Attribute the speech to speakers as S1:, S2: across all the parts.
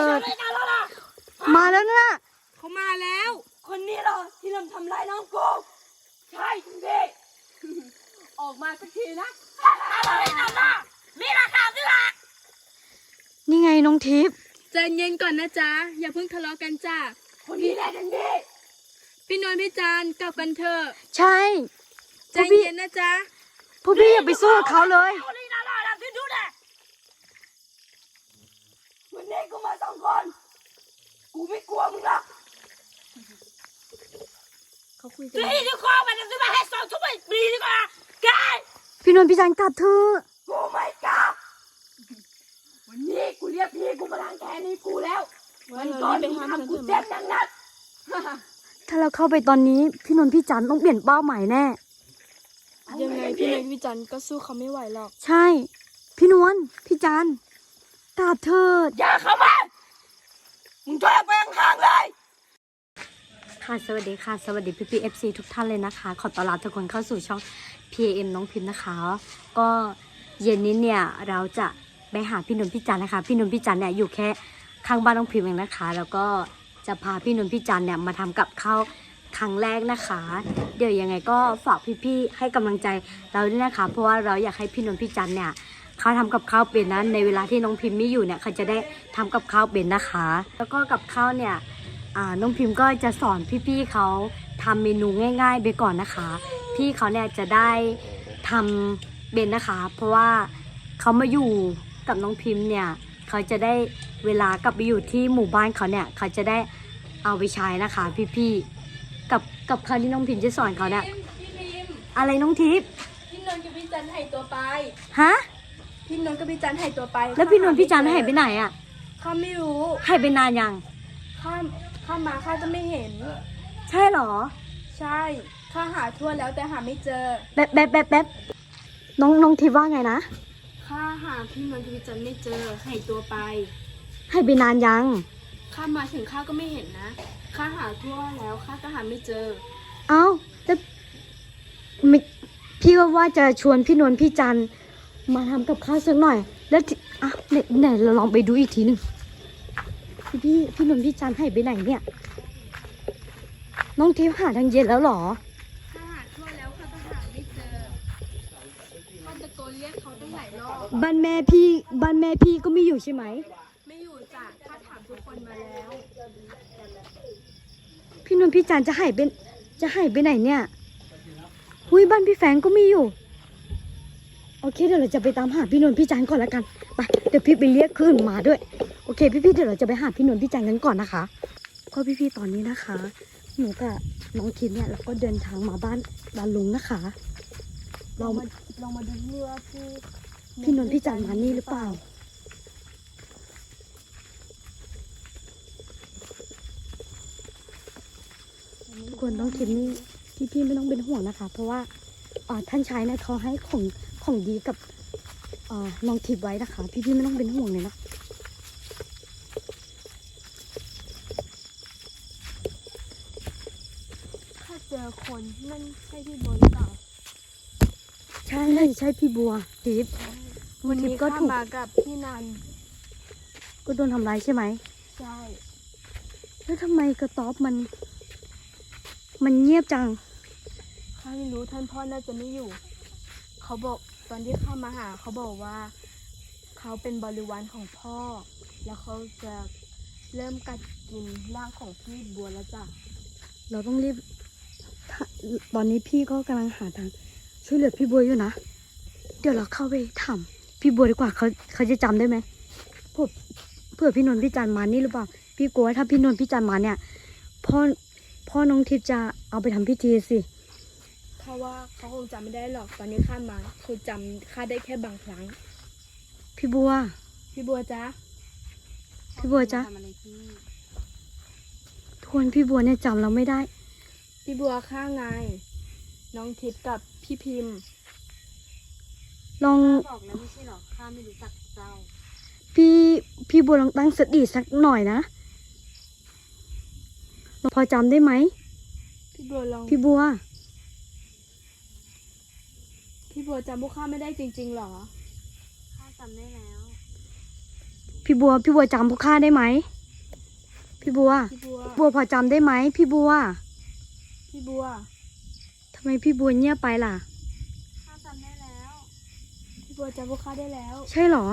S1: ดมาแล้วนะ
S2: เขามาแล้ว
S3: คนนี้เหรอที่ทำร้ายน้องกูใช่จริงดิ
S2: ออกมาสักทีนะ
S3: อะไรนั่นน่ะมีราคาสิล่ะ
S1: นี่ไงน้องทิพย์
S2: ใจเย็นก่อนนะจ๊ะอย่าเพิ่งทะเลาะกันจ้ะ
S3: คนนี้แหละจริงดิ
S2: พี่นนท์พี่จันกลับกันเถอะ
S1: ใช่
S2: ใจเย็นนะจ๊ะ
S1: พวกพี่อย่าไปสู้กับเขาเลย
S3: คนนี้น่ารักที่ดูดิวันนี้กูมา2 คนกูไม่กลัวมึงหรอก
S2: เขาคุยกัน
S3: ที่ที่คอมันจะซื้อมาให้2 ชั่วโมงปีดีกว่าแก
S1: พี่นนท์พี่จันกลับเถอะ
S3: กูไม่กลับวันนี้กูเรียกพี่กูมาล้างแค้นให้กูแล้ววันก่อนมึงทำกูเจ็บอย่างนั้น
S1: ถ้าเราเข้าไปตอนนี้พี่นนท์พี่จันต้องเปลี่ยนเป้าหมายแน่
S2: ยังไงพี่นนท์พี่จันก็สู้เขาไม่ไหวหรอก
S1: ใช่ พี่นวลพี่จันกลับเถิด
S3: อย่าเข้ามามึงช่วยเอาไปข้างๆเลย
S1: ค่ะสวัสดีค่ะสวัสดีพี่ FC ทุกท่านเลยนะคะขอต้อนรับทุกคนเข้าสู่ช่อง PAM น้องพิมพ์นะคะก็เย็นนี้เนี่ยเราจะไปหาพี่นนท์พี่จันนะคะพี่นนท์พี่จันเนี่ยอยู่แค่ข้างบ้านน้องพิมพ์เองนะคะแล้วก็จะพาพี่นนท์พี่จันเนี่ยมาทำกับข้าวครั้งแรกนะคะเดี๋ยวยังไงก็ฝากพี่ๆให้กำลังใจเราด้วยนะคะเพราะว่าเราอยากให้พี่นนท์พี่จันเนี่ยเขาทำกับข้าวเป็นนั้นในเวลาที่น้องพิมพ์ไม่อยู่เนี่ยเขาจะได้ทำกับข้าวเป็นนะคะแล้วก็กับข้าวเนี่ยน้องพิมพ์ก็จะสอนพี่ๆเขาทำเมนูง่ายๆไปก่อนนะคะพี่เขาเนี่ยจะได้ทำเป็นนะคะเพราะว่าเขามาอยู่กับน้องพิมพ์เนี่ยเขาจะได้เวลากลับไปอยู่ที่หมู่บ้านเขาเนี่ยเขาจะได้เอาไปใช้นะคะพี่ๆกับคำที่น้องพิมพ์จะสอนเขาเนี่ย
S2: พี่พิมพ์
S1: อะไรน้องทิพย์
S2: พี่นนท์กับพี่จันหายตัวไป
S1: ฮะ
S2: พี่นนท์กับพี่จันหายตัวไป
S1: แล้วพี่นนท์พี่จันหายไปไหนอ่ะ
S2: ข้าไม่รู้
S1: หายไปนานยัง
S2: ข้ามาข้าจะไม่เห็น
S1: ใช่เหรอ
S2: ใช่ข้าหาทั่วแล้วแต่หาไม่เจอ
S1: แป๊บน้องทิพย์ว่าไงนะ
S2: ข้าหาพี่นนท์กับพี่จันไม่เจอหายตัวไป
S1: หายไปนานยัง
S2: ข้ามาถึงข้าก็ไม่เห็นนะข้าหาทั่วแล้วข้าก็หาไม่เจอ
S1: เอ้าแล้วไม่พี่ก็ว่าจะชวนพี่นนท์พี่จันมาทำกับข้าวสักหน่อย แล้วที่อ่ะไหนเราลองไปดูอีกทีหนึ่งพี่นนท์พี่จันหายไปไหนเนี่ย น้องทิพย์หาทางเย็นแล้วเหรอ
S2: ข้าหาทั่วแล้วข้าก็หาไม่เจอข้าตะโกนเรียกเขาตั้งหลายรอบ
S1: บ้านแม่พี่ก็ไม่อยู่ใช่ไหม
S2: ไม่อยู่จ้ะข้าถามทุกคนมาแล้ว
S1: พี่นนท์พี่จันจะหายไปไหนเนี่ยหุยบ้านพี่แฟงก็ไม่อยู่ โอเคเดี๋ยวเราจะไปตามหาพี่นนท์พี่จันก่อนละกันไปเดี๋ยวพี่ไปเรียกคืนมาด้วยโอเคพี่เดี๋ยวเราจะไปหาพี่นนท์พี่จันกันก่อนนะคะก็พี่ตอนนี้นะคะหนูกับน้องคิดเนี่ยเราก็เดินทางมาบ้านลุงนะคะเรา
S2: ลองมาดูเพื่อที่
S1: พี่นนท์พี่จันมานี่หรือเปล่าควรน้องคิดนี่พี่ไม่ต้องเป็นห่วงนะคะ เพราะว่าท่านชายเนี่ยเขาให้ของดีกับน้องทิพย์ไว้นะคะ พี่ไม่ต้องเป็นห่วงเลยนะ
S2: ถ้าเจอคนนั่นใช่พี่โบหรือเปล่า
S1: ใช่พี่บัวทิพย์
S2: วันนี้
S1: ก็
S2: ข้า
S1: ถูก
S2: มากับพี่นัน
S1: ก็โดนทำร้ายใช่ไหม
S2: ใช่
S1: แล้วทำไมกระต๊อบมันเงียบจัง
S2: ข้าไม่รู้ท่านพ่อน่าจะไม่อยู่ เขาบอกตอนที่ข้ามาหาเขาบอกว่า เขาเป็นบริวารของพ่อ แล้วเขาจะเริ่มกัดกินร่างของพี่บัวแล้วจ้ะ
S1: เราต้องรีบตอนนี้พี่ก็กำลังหาทางช่วยเหลือพี่บัวอยู่นะเดี๋ยวเราเข้าไปถามพี่บัวดีกว่าเขาจะจำได้ไหมเผื่อพี่นนท์พี่จันมานี่หรือเปล่าพี่กลัวว่าถ้าพี่นนท์พี่จันมาเนี่ยพ่อน้องทิพย์จะเอาไปทำพิธีสิ
S2: เพราะว่าเขาคงจำไม่ได้หรอกตอนนี้ข้ามาคือจำข้าได้แค่บางครั้ง
S1: พี่บัว
S2: พี่บัวจ๊ะ
S1: พี่บัวจ๊ะทวนพี่บัวเนี่ยจำเราไม่ได้
S2: พี่บัวข้าไง น้องทิพย์กับพี่พิมพ์
S1: ลอง
S2: บอกแล้วไม่ใช่หรอข้าไม่รู้จักเจ้า
S1: พี่บัวลองตั้งสติสักหน่อยนะพอจำได้ไหม
S2: พี่บัวลอง
S1: พี่บัว
S2: พี่บัวจำพวกข้าไม่ได้จริงๆหรอข้าจำได้แล้ว
S1: พี่บัวจำพวกข้าได้ไหมพี่บัว
S2: พี่บัว
S1: บัวพอจำได้ไหมพี่บัว
S2: พี่บัว
S1: ทำไมพี่บัวเงียบไปล่ะ
S2: ข้าจำได้แล้ว พี่บัวจำพวกข้าได้แล้ว
S1: ใช่เหรอ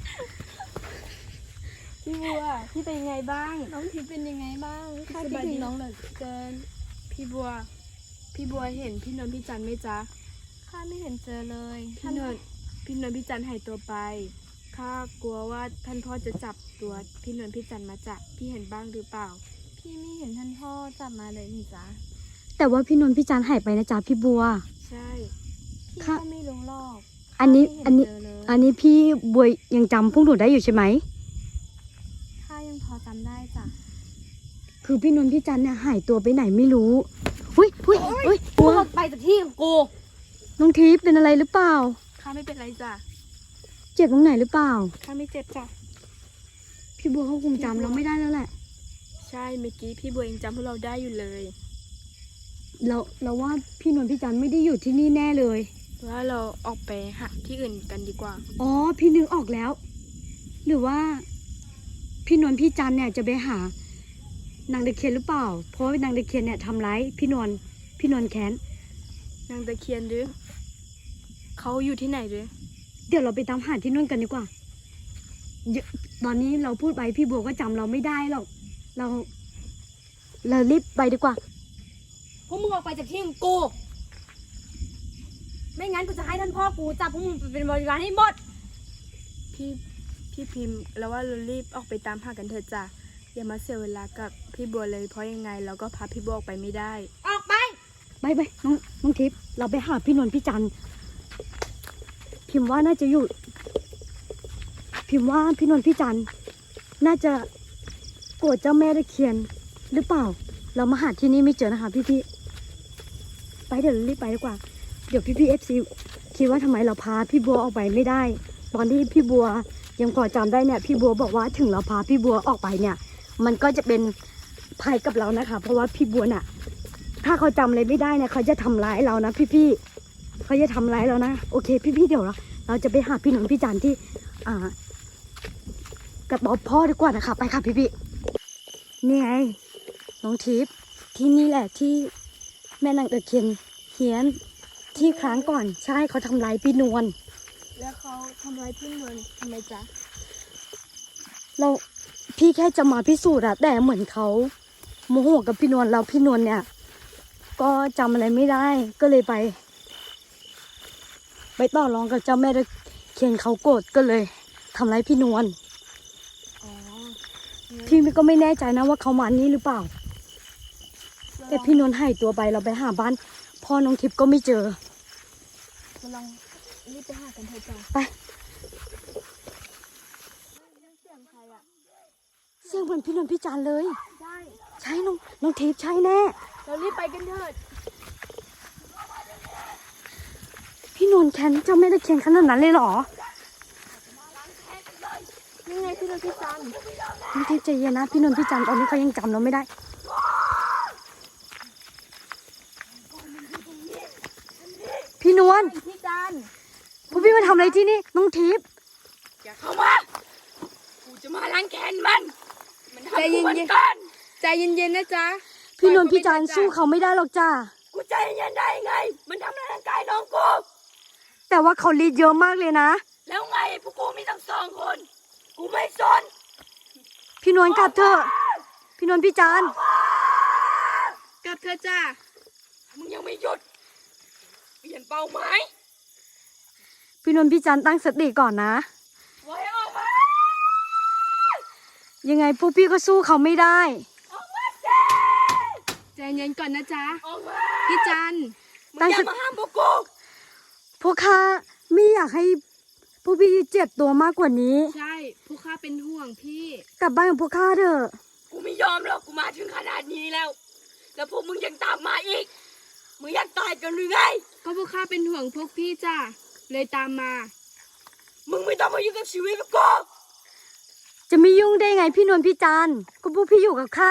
S2: พี่บัว พี่เป็นยังไงบ้าง
S3: น้องทิพย์เป็นยังไงบ้างข้า
S2: ส
S3: คิด
S2: บาย
S3: ถึ
S2: ดี
S3: งน้องเหลือเกิน
S2: พี่บัว พี่บัวเห็นพี่นนท์พี่จันไหมจ๊ะ
S3: ข้าไม่เห็นเจอเลย
S2: พี่นนท์พี่จันหายตัวไป ข้ากลัวว่าท่านพ่อจะจับตัวพี่นนท์พี่จันมาจับพี่เห็นบ้างหรือเปล่า
S3: พี่ไม่เห็นท่านพ่อจับมาเลยนี่จ๊ะ
S1: แต่ว่าพี่นนท์พี่จันหายไปนะจ๊ะพี่บัว
S2: ใช่
S3: พี่
S1: ค่ะ
S3: ก็ไม่รู้หรอก
S1: อันนี้
S3: ข้าไม่เห็
S1: อันนี้
S3: เจอเลย
S1: อันนี้พี่บัวยังจำพวกหนูได้อยู่ใช่ไหม
S3: ข้ายังพอจำได้จ้ะ
S1: คือพี่นนท์พี่จันเนี่ยหายตัวไปไหนไม่รู้หุ้ยหุ้ยหุ้ยบัว
S3: ไปจากที่ของกู
S1: น้องทิพย์เป็นอะไรหรือเปล่า
S2: ข้าไม่เป็นไรจ้ะ
S1: เจ็บตรงไหนหรือเปล่า
S2: ข้าไม่เจ็บจ้ะ
S1: พี่บัวเขาคงจำเราไม่ได้แล้วแหละ
S2: ใช่เมื่อกี้พี่บัวยังจำพวกเราได้อยู่เลย
S1: เราว่าพี่นนท์พี่จันไม่ได้อยู่ที่นี่แน่เลย
S2: ว่าเราออกไปหาที่อื่นกันดีกว่า
S1: อ๋อพี่นึกออกแล้ว หรือว่าพี่นนท์พี่จันเนี่ยจะไปหานางตะเคียนหรือเปล่า เพราะว่านางตะเคียนเนี่ยทำร้ายพี่นนท์แค้น
S2: นางตะเคียนหรือเขาอยู่ที่ไหนหรือ
S1: เดี๋ยวเราไปตามหาที่นู่นกันดีกว่าตอนนี้เราพูดไปพี่บัวก็จำเราไม่ได้หรอก เรารีบไปดีกว่า
S3: พวกมึงออกไปจากที่ของกู ไม่งั้นกูจะให้ท่านพ่อกูจับพวกมึงไปเป็นบริวารให้หมด
S2: พี่พิมพ์แล้วว่าเรารีบออกไปตามหากันเถอะจ้ะอย่ามาเสียเวลากับพี่บัวเลยเพราะยังไงเราก็พาพี่บัวออกไปไม่ได้
S3: ออกไป
S1: ไปน้องทิพย์เราไปหาพี่นนท์พี่จันพิมพ์ว่าน่าจะอยู่ พิมพ์ว่าพี่นนท์พี่จันน่าจะโกรธเจ้าแม่ตะเคียนหรือเปล่า เรามาหาที่นี่ไม่เจอนะคะพี่ไปเดี๋ยวเรารีบไปดีกว่า เดี๋ยวพี่FCคิดว่าทำไมเราพาพี่บัวออกไปไม่ได้ ตอนที่พี่บัวยังพอจำได้เนี่ยพี่บัวบอกว่าถึงเราพาพี่บัวออกไปเนี่ย มันก็จะเป็นภัยกับเรานะคะ เพราะว่าพี่บัวน่ะ ถ้าเขาจำอะไรไม่ได้เนี่ยเขาจะทำร้ายเรานะพี่เขาจะทำร้ายเรานะโอเคพี่เดี๋ยวเราจะไปหาพี่หนุ่มพี่จันที่กระต๊อบพ่อดีกว่านะคะไปค่ะพี่นี่ไงน้องทิพย์ที่นี่แหละที่แม่นางตะเคียนเฮียนที่ครั้งก่อนใช่เขาทำร้ายพี่นวล
S2: แล้วเขาทำร้ายพี่นวลทำไมจ๊ะ
S1: เราพี่แค่จะมาพิสูจน์อะแต่เหมือนเขาโมโหกับพี่นวลเราพี่นวลเนี่ย ก็จำอะไรไม่ได้ก็เลยไปต่อรองกับเจ้าแม่ตะเคียนเขาโกรธก็เลยทำร้ายพี่นวล
S2: อ๋อ
S1: พี่ก็ไม่แน่ใจนะว่าเขามานี่หรือเปล่า แต่พี่นวลหายตัวไปเราไปหาบ้านพ่อน้องทิพย์ก็ไม่เจอ
S2: เราลองรีบไปหากันเถอะจ้ะ
S1: ไป
S2: เสียงใครอ่ะ
S1: เสียงเหมือนพี่นวลพี่จันเลย
S2: ใช่
S1: ใช่น้องทิพย์ใช่แน่
S2: เรารีบไปกันเถิด
S1: พี่นวลแค้นเจ้าแม่ตะเคียนขนาดนั้นเลยเหรอ
S2: นี่ไงพี่นวลพี่จัน
S1: น้องทิพย์ใจเย็นนะพี่นวลพี่จันตอนนี้เขายังจำเราไม่ได้พี่นวล
S2: พี่จัน
S1: พวกพี่มาทำอะไรที่นี่น้องทิพย์
S3: อย่าเข้ามา กูจะมาล้างแค้นมันทำ
S2: ใจ
S3: กู
S2: เย็
S3: เหมือน
S2: น
S3: กัน
S2: ๆใจเย็นๆนะจ๊ะ
S1: พี่นวลพี่จันสู้เขาไม่ได้หรอกจ้า
S3: กูใจเย็นได้ไง มันทำร้ายร่างกายน้องกู
S1: แต่ว่าเขาลีดเยอะมากเลยนะ
S3: แล้วไงพวกกูมีทั้งสองคน กูไม่สน
S1: พี่นวลกลับเถอะพี่นวลพี่จัน
S2: กลับเถอะจ้ะ
S3: มึงยังไม่หยุด เปลี่ยนเป้าหมาย
S1: พี่นวลพี่จันตั้งสติก่อนนะ
S3: ไว้ออกมา
S1: ยังไงพวกพี่ก็สู้เขาไม่ได้
S3: ออกมาสิ
S2: ใจเย็นก่อนนะจ๊ะ
S3: ออกมา
S2: พี่จัน
S3: มึงอย่ามาห้ามพวกกู
S1: พวกข้าไม่อยากให้พวกพี่เจ็บตัวมากกว่านี้
S2: ใช่พวกข้าเป็นห่วงพี่
S1: กลับบ้านกับพวกข้าเถอะ
S3: กูไม่ยอมหรอก กูมาถึงขนาดนี้แล้ว แล้วพวกมึงยังตามมาอีก มึงอยากตายกันหรือไง
S2: ก็พวกข้าเป็นห่วงพวกพี่จ้ะเลยตามมา
S3: มึงไม่ต้องมายุ่งกับชีวิตพวกกู
S1: จะไม่ยุ่งได้ไงพี่นวลพี่จันก็พวกพี่อยู่กับข้า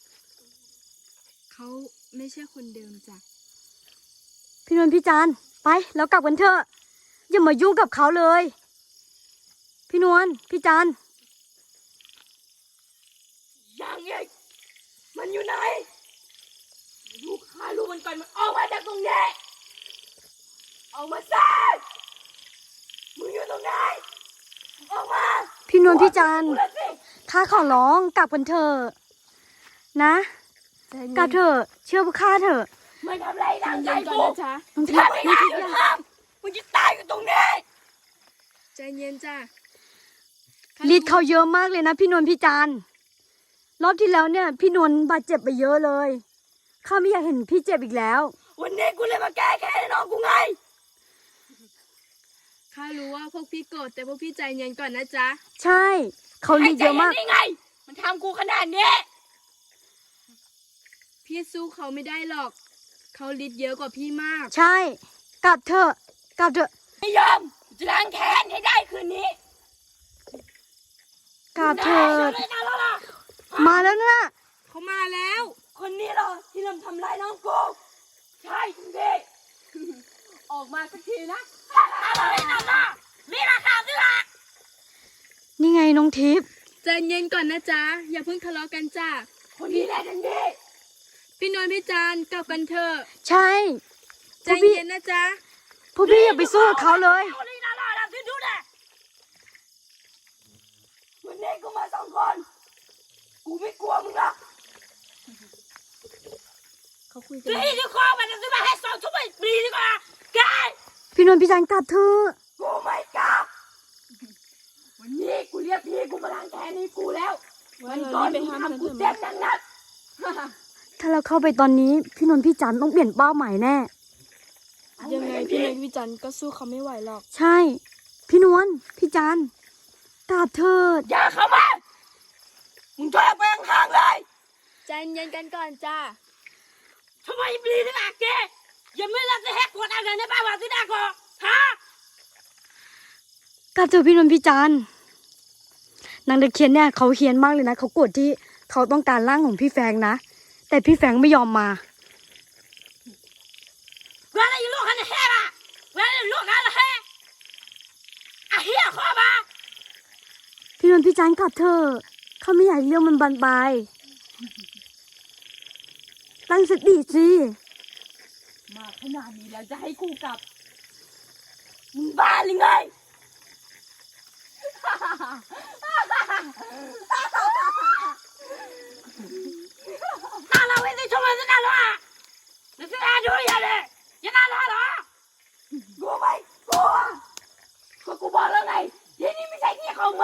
S2: เขาไม่ใช่คนเดิมจ้ะ
S1: พี่นวลพี่จันไปแล้วกลับกันเถอะอย่ามายุ่งกับเขาเลย พี่นวลพี่จัน
S3: ยังอีกมันอยู่ไหนดูข้ารู้มันก่อนมันออกมาจากตรงนี้ออกมาซะมึงอยู่ตรงไหนออกมา
S1: พี่นวลพี่จันทร์
S3: พูดเลยสิ
S1: ข้าขอร้องกลับกันเถอะนะ
S2: ใจเย็น
S1: กลับเถอะเชื่อพวกข้าเถอะ
S3: มันทำอะไรทางใจ
S2: ใจเย็นก่อน
S3: กู
S2: นะจ๊ะ
S1: น้องทิพ
S3: ถ้า
S1: ย์
S3: ไม่ได้ก็ทำมึงจะตายอยู่ตรงนี้
S2: ใจเย็นจ้ะ
S1: ฤทธิ์เขาเยอะมากเลยนะพี่นวลพี่จันทร์รอบที่แล้วเนี่ย พี่นวลบาดเจ็บไปเยอะเลยข้าไม่อยากเห็นพี่เจ็บอีกแล้ว
S3: วันนี้กูเลยมาแก้แค้นให้น้องกูไง
S2: ข้ารู้ว่าพวกพี่โกรธแต่พวกพี่ใจเย็นก่อนนะจ๊ะ
S1: ใช่เขาฤทธิ์เยอะมาก
S3: ใจนได้ไง มันทำกูขนาดนี้
S2: พี่สู้เขาไม่ได้หรอก เขาฤทธิ์เยอะกว่าพี่มาก
S1: ใช่กลับเถอะกลับเถอะ
S3: ไม่ยอมจะล้างแค้นให้ได้คืนนี้
S1: กลับเถิด
S3: ได้นะล่ะ
S1: มาแล้วนะ
S2: เขามาแล้ว
S3: คนนี้เหรอที่ทำร้ายน้องกูใช่จริงดิออกมาสักทีนะอะไรนั่นล่ะมีราคาสิล่ะ
S1: นี่ไงน้องทิพย์
S2: ใจเย็นก่อนนะจ๊ะ อย่าเพิ่งทะเลาะกันจ้ะ
S3: คนนี้แหละจริงดิ
S2: พี่นวลพี่จันทร์กลับกันเถอะ
S1: ใช่
S2: ใจ
S1: พวกพี่
S2: เย็นนะจ๊ะ
S1: พวกพี่อย่าไปสู้กับเขาเลย
S3: คนนี้น่ารักนะที่ดูนะวันนี้กูมาสองคนกูไม่กลัวมึงหรอก
S2: เขาคุยกั
S3: ซื้อน ที่คอมันจะซื้อมาให้2 ชั่วโมงดีดีกว่าไกาย
S1: พี่นวลพี่จันทร์กลับเถอะ
S3: กูไม่กลับวันนี้กูเรียกพี่กูมาล้างแค้นให้กูแล้ว
S2: ว่าเรารีบไปห้ามมัน
S3: กู
S2: เถอะ
S3: เจ็
S2: มั้
S3: บ
S2: ย
S3: หนัก
S1: ถ้าเราเข้าไปตอนนี้พี่นวลพี่จันทร์ต้องเปลี่ยนเป้าหมายแน่
S3: ๆ
S2: ยังไงพี่นวลพี่จันทร์ก็สู้เขาไม่ไหวหรอก
S1: ใช่ พี่นวลพี่จันทร์กลับเถิด
S3: อย่าเข้ามามึงถอยออกไปห่างๆเลย
S2: ใจเย็นกันก่อนจ้า
S3: ทำไมบลีนี่ล่ะแกยังไม่รักจะแหกกฎอะไรในบ้านวาสิดาก่อนฮะ
S1: กลับเถอะพี่นวลพี่จันทร์นางตะเคียนเนี่ยเขาเฮี้ยนมากเลยนะเขาโกรธที่เขาต้องการร่างของพี่แฟงนะแต่พี่แฟงไม่ยอมมา
S3: เวลาอยู่ลูกกันแห่ละเวลาอยู่ลูกกันแห่อ่ะเฮียข้อมา
S1: พี่นวลพี่จันทร์กลับเถอะเขาไม่อยากให้เรื่องมันบานปลายตั้งสติสิ
S3: มาขนาดนี้แล้วจะให้กูกลับมึงบ้าหรือไง 나라 왜 내 정원에서 날라와? 내 생각 조리해야 돼. 얘 날라와라. 고마이 고아. 그거 뭐라 나이. 얘님이 생긴 공문.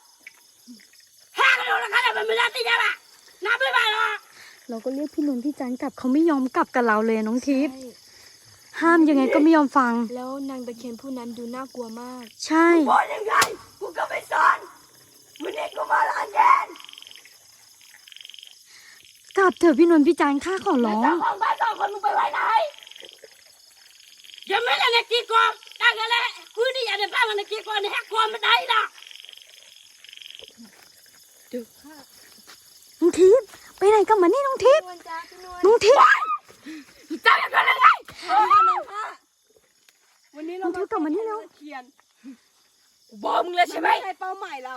S3: 해가 올라가려면 물라ตี잡아. 나불 봐라.
S1: เราก็เรียกพี่นวลพี่จันทร์กลับเขาไม่ยอมกลับกับเราเลยน้องทิพย์
S2: ใช่
S1: ห้ามยังไงก็ไม่ยอมฟัง
S2: แล้วนางตะเคียนผู้นั้นดูน่ากลัวมาก
S1: ใช่
S3: บอกยังไงกูก็ไม่สอนวันนี้กูมาล้างแค้น
S1: กลับเถอะพี่นวลพี่จันทร์ข้าขอ
S3: แล้ว
S1: ร้อง
S3: เจ้าของบ้าน2 คนมึงไปไว้ไหนยังไม่ได้ในกี่กองตั้งกันแล้วกูนี่อยากได้บ้านมันในกี่กองในแหกกองมันได้ล่ะ
S2: เดี๋ยวค่ะ
S1: น้องทิพย์ไปไหนกันมานี่น้องทิพย์
S2: นวลจ้าพี่นวล
S1: น้องทิพย์
S3: เจ้าอยากได้อะไร
S2: วันนี้
S1: น้
S2: เรา
S1: องทิพย์กลับมานี่แล้ว
S2: เคียน
S3: กูบอกมึงแล้วใช่ไหม
S2: ใช่เป้าหมายเรา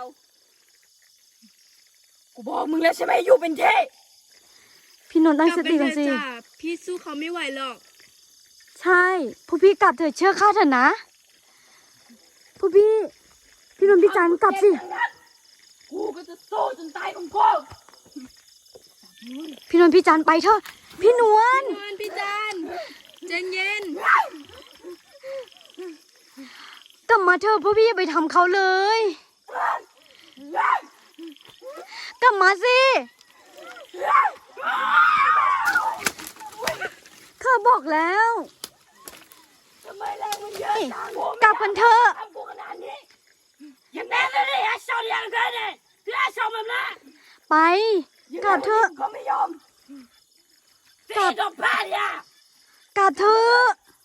S3: กูบอกมึงแล้วใช่ไหมอยู่เป็นเท่
S1: พี่นวลตั้งสติกันสิ
S2: จ้าพี่สู้เขาไม่ไหวหรอก
S1: ใช่พวกพี่กลับเถอะเชื่อข้าเถอะนะพวกพี่นวลพี่จันทร์กลับสิ
S3: กูก็จะสู้จนตายของกู
S1: พี่นวลพี่จันทร์ไปเถอะพี่นวล
S2: นวลพี่จันทร์ใจเย็น
S1: กลับมาเถอะพวกพี่อย่าไปทำเขาเลย กลับมาสิข้าบอกแล้ว
S3: ทำไมแรงมันเยอะจัง
S1: กลับกันเถอะ
S3: ทำกูขนาดนี้ยังแน่เลยไอ้ชาวเรียนกันเนี่ยคือไอ้ชาวมันนะ
S1: ไปกลับเถอะ
S3: ก็ไม่ยอมตีดอกผ้าเนี่ย
S1: กลับเถอะ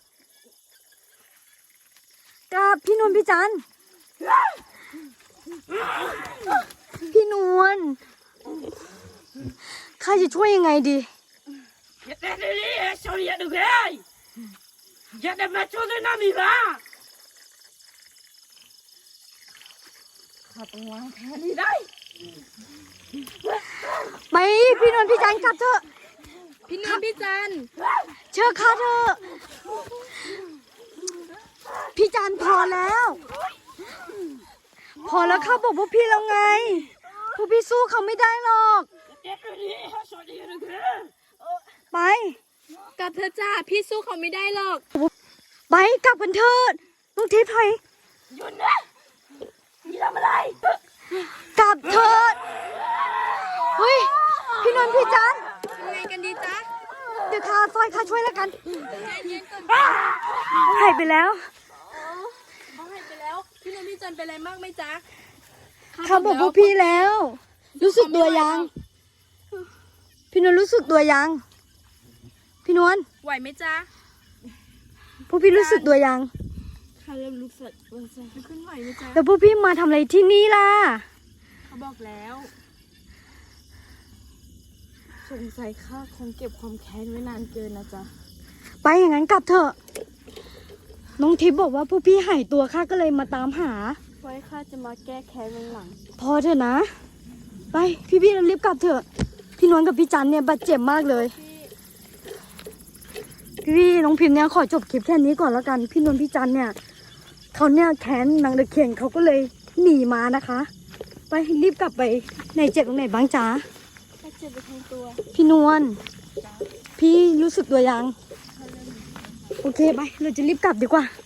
S1: กลับพี่นวลพี่จันทร์พี่นวลข้าจะช่วยยังไงดี
S3: ยังแน่เลยไอ้ชาวเรียนกันยังได้มาช่วยน้ำมีบ้าข้าต้องวางแผนนี้ได้
S1: ไปพี่นวลพี่จันกลับเถอะ
S2: พี่นวลพี่จัน
S1: เชื่อข้าเถอะพี่จันพอแล้ว พอแล้วข้าบอกพวกพี่แล้วไงพวกพี่สู้เขาไม่ได้หรอก ไป
S2: กลับเธอะจ้าพี่สู้เขาไม่ได้หรอก
S1: ไปกลับกันเถิดน้องทิพย์ไป
S3: หยุดนะนี่ทำอะไร
S1: กลับเถิดเฮ้ยพี่นนท์พี่จัน
S2: ทำไงกันดีจ๊ะ
S1: เดี๋ยวข้าซอยข้าช่วยแล้วกัน
S2: ใจเย็นก่อน
S1: หายไปแล้ว
S2: เขาหายไปแล้ว พี่นวลพี่จันเป็นอะไรมากไหมจ๊ะ
S1: ข้าบอกพวกพี่แล้ว รู้สึกตัวยัง พี่นวลรู้สึกตัวยัง พี่นวล
S2: ไหวไหมจ๊ะ
S1: พวกพี่รู้สึกตัวยัง
S2: ข้าเริ่มรู้สึกขึ้นไหวไหมจ๊ะ
S1: แล้วพวกพี่มาทำอะไรที่นี่ล่ะ
S2: เขาบอกแล้ว สงสัยข้าคงเก็บความแค้นไว้นานเกินนะจ๊ะ
S1: ไปอย่างนั้นกลับเถอะ น้องทิพย์บอกว่าพวกพี่หายตัวข้าก็เลยมาตามหา
S2: ไว้ข้าจะมาแก้แค้นวันหลัง
S1: พอเถอะนะ ไปพี่รีบกลับเถอะ พี่นวลกับพี่จันเนี่ยบาดเจ็บมากเลย พี่น้องพิมพ์เนี่ยขอจบคลิปแค่นี้ก่อนแล้วกัน พี่นวลพี่จันเนี่ยเขาเนี่ยแค้นนางตะเคียนเขาก็เลยหนีมานะคะ ไปรีบกลับไปไหนเจ็บตรงไหนบ้างจ๊ะ
S2: ข้าเจ็บไปทั้งตัว
S1: พี่นวลพี่รู้สึกตัวยัง โอเคไปเราจะรีบกลับดีกว่า